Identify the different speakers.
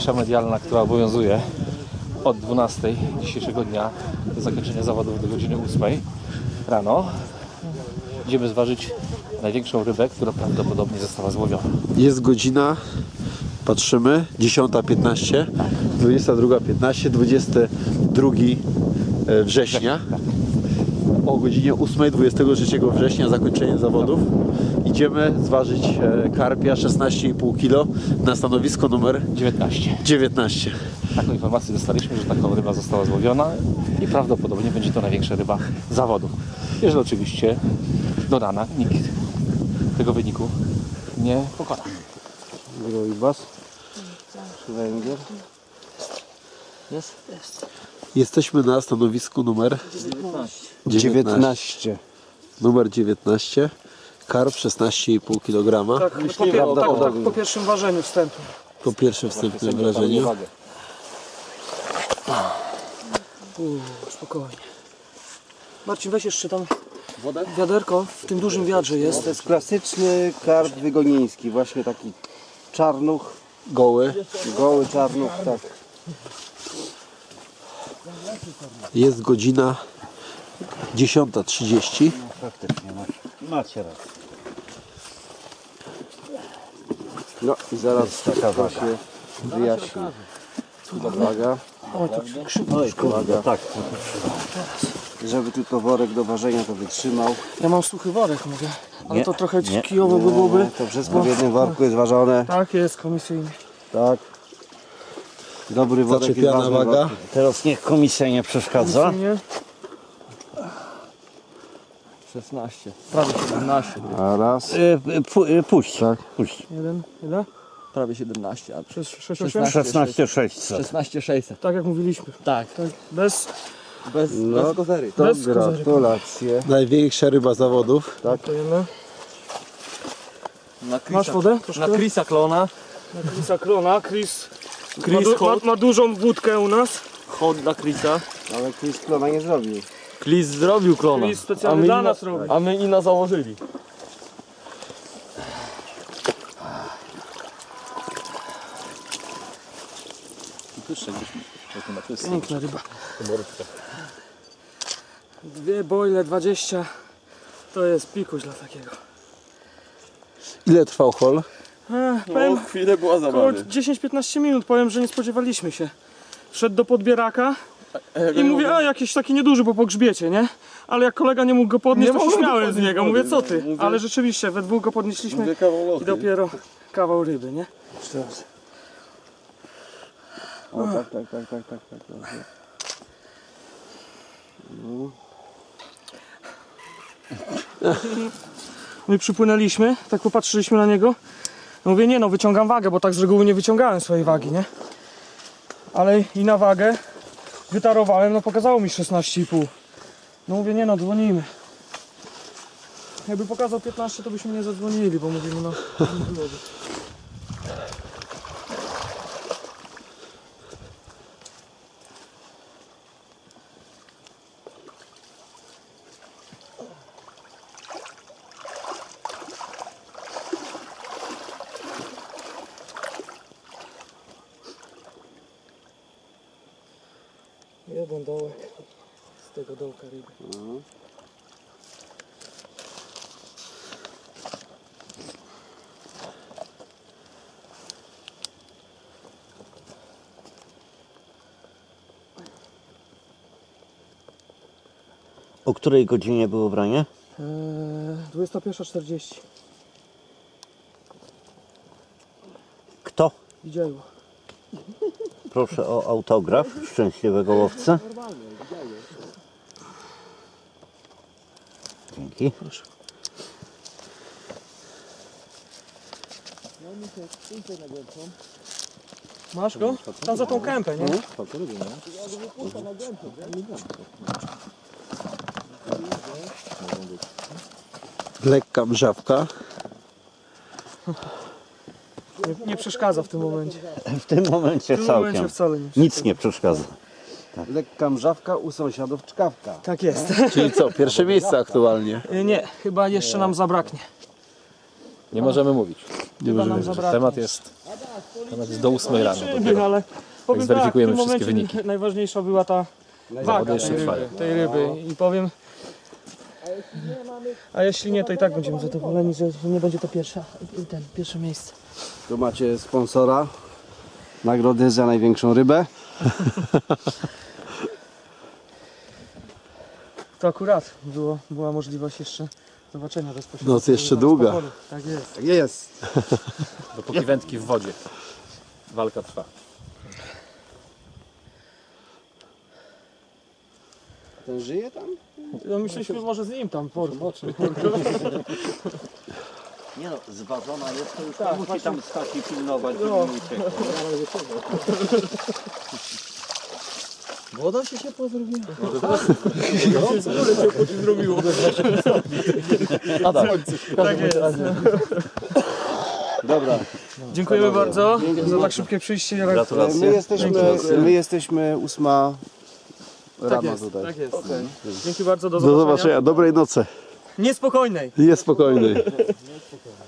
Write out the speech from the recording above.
Speaker 1: cisza medialna, która obowiązuje od 12 dzisiejszego dnia do zakończenia zawodów do godziny 8 rano. Idziemy zważyć największą rybę, która prawdopodobnie została złowiona.
Speaker 2: Jest godzina, patrzymy, 10:15, 22:15, 22 września. O godzinie 8, 23 września zakończenie zawodów. Idziemy zważyć karpia 16,5 kg na stanowisko numer 19.
Speaker 1: Taką informację dostaliśmy, że taką ryba została złowiona i prawdopodobnie będzie to największa ryba zawodów. Jeżeli oczywiście do rana nikt tego wyniku nie pokona.
Speaker 2: Jesteśmy na stanowisku numer 19. Numer 19. Karp 16,5 kg.
Speaker 3: Tak, po pierwszym ważeniu wstępu.
Speaker 2: Po pierwszym wstępnym wrażeniu.
Speaker 3: Spokojnie. Marcin, weź jeszcze tam wiaderko, w tym dużym wiadrze jest.
Speaker 4: To jest klasyczny karp wygoniński, właśnie taki czarnuch,
Speaker 2: Goły.
Speaker 4: goły czarnuch, tak.
Speaker 2: Jest godzina 10:30.
Speaker 4: Faktycznie, macie rację. No i zaraz to się wyjaśni. Uwaga.
Speaker 3: Oj, tak szybko.
Speaker 4: Uwaga. Tak. Żeby tylko worek do ważenia to wytrzymał.
Speaker 3: Ja mam suchy worek, mówię. Ale to trochę kijowo by byłoby.
Speaker 4: To wszystko w jednym worku jest ważone.
Speaker 3: Tak jest, komisyjnie.
Speaker 4: Tak. Dobry worek jest
Speaker 2: Zaczepiana
Speaker 4: ważny.
Speaker 2: waga.
Speaker 5: Teraz niech komisja nie przeszkadza.
Speaker 3: Komisyjnie.
Speaker 6: 16. Prawie 17.
Speaker 4: A raz.
Speaker 5: Puść.
Speaker 4: Tak.
Speaker 5: Puść.
Speaker 3: Jeden, ile?
Speaker 6: Prawie 17. A
Speaker 3: Przez 6,8?
Speaker 5: 16 600.
Speaker 6: 16 600.
Speaker 3: Tak jak mówiliśmy.
Speaker 6: Tak.
Speaker 3: Bez
Speaker 6: Bez kozery.
Speaker 4: To
Speaker 3: Bez kozery.
Speaker 4: gratulacje.
Speaker 2: Największa ryba zawodów.
Speaker 3: Dziękujemy.
Speaker 6: Na
Speaker 3: Masz wodę? Troszkę?
Speaker 6: Na Chrisa Klona.
Speaker 3: Na Chrisa Klona. Chris
Speaker 6: Hot.
Speaker 3: ma dużą wódkę u nas.
Speaker 6: Hot dla Chrisa.
Speaker 4: Ale Chris klona nie zrobił.
Speaker 6: Chris zrobił klona.
Speaker 3: Chris specjalnie dla nas robi.
Speaker 6: A my Ina założyli.
Speaker 3: Piękna ryba. Dwie bojle 20. To jest pikuś dla takiego.
Speaker 2: Ile trwał hol?
Speaker 3: Powiem,
Speaker 6: Chwilę była
Speaker 3: około 10-15 minut. Powiem, że nie spodziewaliśmy się. Wszedł do podbieraka i mówię, a jakiś taki nieduży, bo po grzbiecie, nie? Ale jak kolega nie mógł go podnieść, to się śmiałem z niego. Mówię, co ty? Ale rzeczywiście, we dwóch go podnieśliśmy i dopiero kawał ryby, nie?
Speaker 4: O, tak.
Speaker 3: My przypłynęliśmy, tak popatrzyliśmy na niego. Mówię, nie no, wyciągam wagę, bo tak z reguły nie wyciągałem swojej wagi, nie? Ale i na wagę wytarowałem, no pokazało mi 16,5. No mówię, nie no, dzwonimy. Jakby pokazał 15, to byśmy nie zadzwonili, bo mówimy, no, nie byłoby. Jeden dołek z tego dołka ryby.
Speaker 5: O której godzinie było branie?
Speaker 3: 21:40.
Speaker 5: Kto?
Speaker 3: Widziało.
Speaker 5: Proszę o autograf szczęśliwego łowcy. Dzięki.
Speaker 3: Masz go? Tam za tą kępę, nie?
Speaker 2: Lekka mrzawka.
Speaker 3: Nie przeszkadza w tym momencie.
Speaker 5: W tym momencie
Speaker 3: W tym momencie
Speaker 5: całkiem.
Speaker 3: wcale nie.
Speaker 5: Nic nie przeszkadza.
Speaker 4: Lekka mrzawka, u sąsiadów czkawka.
Speaker 3: Tak jest.
Speaker 2: Czyli co, pierwsze miejsce aktualnie.
Speaker 3: Nie, chyba jeszcze nam zabraknie.
Speaker 1: Nie możemy mówić.
Speaker 3: Chyba nam zabraknie.
Speaker 1: Temat jest Nawet jest do 8 rano
Speaker 3: Zobaczymy,
Speaker 1: dopiero.
Speaker 3: ale powiem tak,
Speaker 1: zweryfikujemy
Speaker 3: w tym
Speaker 1: wszystkie
Speaker 3: momencie
Speaker 1: wyniki.
Speaker 3: najważniejsza była ta waga
Speaker 1: jeszcze trwają.
Speaker 3: tej ryby. I powiem... A jeśli nie, to i tak będziemy zadowoleni, że nie będzie to pierwsze miejsce.
Speaker 4: Tu macie sponsora. Nagrody za największą rybę.
Speaker 3: To akurat była możliwość jeszcze zobaczenia bezpośrednio.
Speaker 2: Noc jeszcze długa.
Speaker 3: Tak jest.
Speaker 4: Tak jest.
Speaker 1: Dopóki wędki w wodzie. Walka trwa.
Speaker 4: Ten żyje tam?
Speaker 3: No myśleliśmy może z nim tam porwać.
Speaker 5: Nie no, zważona jest, to już nie musi tam stać i pilnować, żeby
Speaker 3: No.
Speaker 5: nie uciekło.
Speaker 3: Woda się pozrobiła. Tak jest.
Speaker 4: Dobra.
Speaker 3: Dziękujemy bardzo za tak szybkie przyjście.
Speaker 4: My jesteśmy 8 rano
Speaker 3: jest,
Speaker 4: tutaj.
Speaker 3: tak jest. Dzięki bardzo, do
Speaker 2: Do zobaczenia. Dobrej nocy.
Speaker 3: Niespokojnej.
Speaker 2: Jest spokojny.